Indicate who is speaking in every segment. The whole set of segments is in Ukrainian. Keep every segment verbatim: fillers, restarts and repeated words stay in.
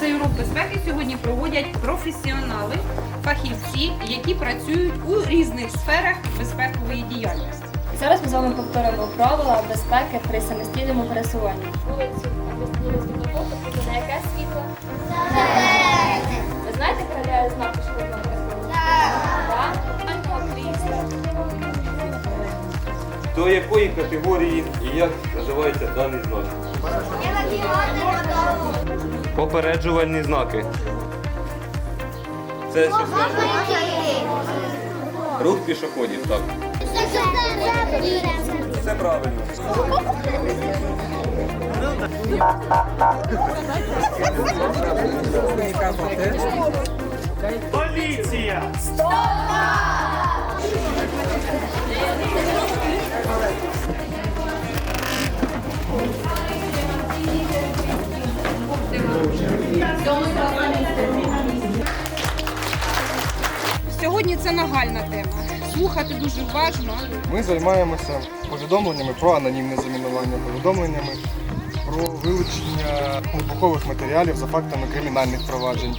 Speaker 1: Цей урок безпеки сьогодні проводять професіонали, фахівці, які працюють у різних сферах безпекової діяльності.
Speaker 2: Зараз ми з вами повторимо правила безпеки при самостійному пересуванні. Вулицю або світлофоту буде на яке світло? Зелене. Ви знаєте, перевіряє знак пішохідного переходу? Так.
Speaker 3: До якої категорії і як називається даний знак? Попереджувальні знаки. Це що значить? Рух пішоходів, так. Все правильно.
Speaker 4: Поліція!
Speaker 1: Сьогодні це нагальна тема. Слухати дуже уважно.
Speaker 5: Ми займаємося повідомленнями про анонімне замінування, повідомленнями про вилучення вибухових матеріалів за фактами кримінальних проваджень.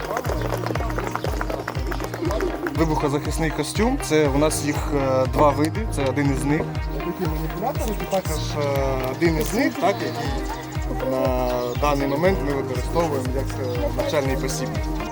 Speaker 5: Вибухозахисний костюм – це у нас їх е, два види, це один із них. Такі маніпулятори, це також е, один із них, так, який на даний момент ми використовуємо як е, навчальний посібник.